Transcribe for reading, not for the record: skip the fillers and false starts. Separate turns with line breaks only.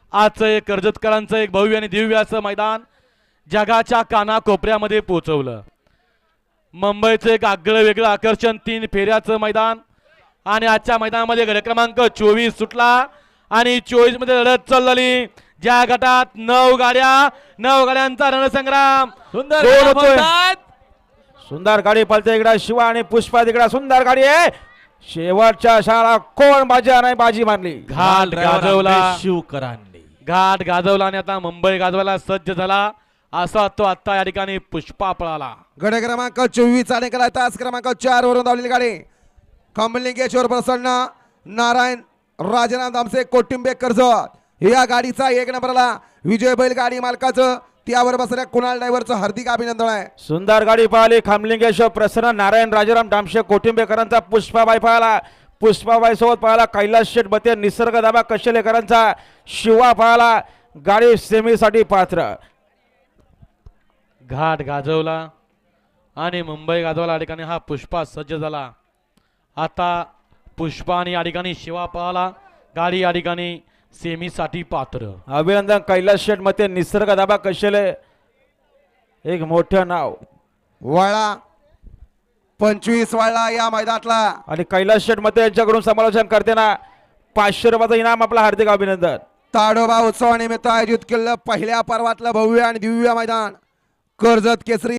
आजचं एक कर्जतकरांचं एक भव्य आणि दिव्य असं मैदान जगाच्या कानाकोपऱ्यामध्ये पोहोचवलं। मुंबईचं एक आगळं वेगळं आकर्षण 3 फेऱ्याचं मैदान आणि आजच्या मैदानामध्ये गट क्रमांक 24 सुटला आणि 24 मध्ये लढत चालली। ज्या गटात 9 गाड्यांचा रणसंग्राम
सुंदर
गोल
गाड्या
होतोय।
पळतात. सुंदर गाडी पळते इकडे शिवा आणि पुष्पा तिकडे सुंदर गाडी आहे। शेवटच्या शाळा कोण बाजी नाही बाजी मारली
घाट गाजवला
शिवकरांनी
घाट गाजवला आणि आता मुंबई गाजवायला सज्ज झाला असा तो आता या ठिकाणी पुष्पा पळाला।
गट क्रमांक 24 आणि कला तास क्रमांक 4 वरून धावलेली गाडी कमलिंगेश्वर प्रसन्न नारायण राजाराम दामसे कोटिंबे कर्जत या गाडीचा 1 नंबरला विजय बैल गाडी मालकाचं त्यावर बसणाऱ्या कुणाल ड्रायव्हरचं हार्दिक अभिनंदन आहे।
सुंदर गाडी पाहिली खामलिंगेश्वर प्रसन्न नारायण राजाराम दामशे कोटिंबेकरांचा पुष्पाबाई पाहिला पुष्पाबाई सोबत पाहिला कैलास शेठ बते निसर्ग दाबा कशेलेकरांचा शिवा पाहिला गाडी सेमीसाठी पात्र।
घाट गाजवला आणि मुंबई गाजवाला या ठिकाणी हा पुष्पा सज्ज झाला। आता पुष्पा आणि या ठिकाणी शिवा पळाला गाडी या ठिकाणी सेमीसाठी पात्र।
अभिनंदन कैलास शेठ मते निसर्ग दाबा कशेले एक मोठं नाव
वळा 25 वळला या मैदानातला
आणि कैलास शेठ मते यांच्याकडून समालोचन करताना 500 रुपयाचं इनाम आपला हार्दिक अभिनंदन।
ताडोबा उत्सवानिमित्त आयोजित केलेलं पहिल्या पर्वातलं भव्य आणि दिव्य मैदान कर्जत केसरी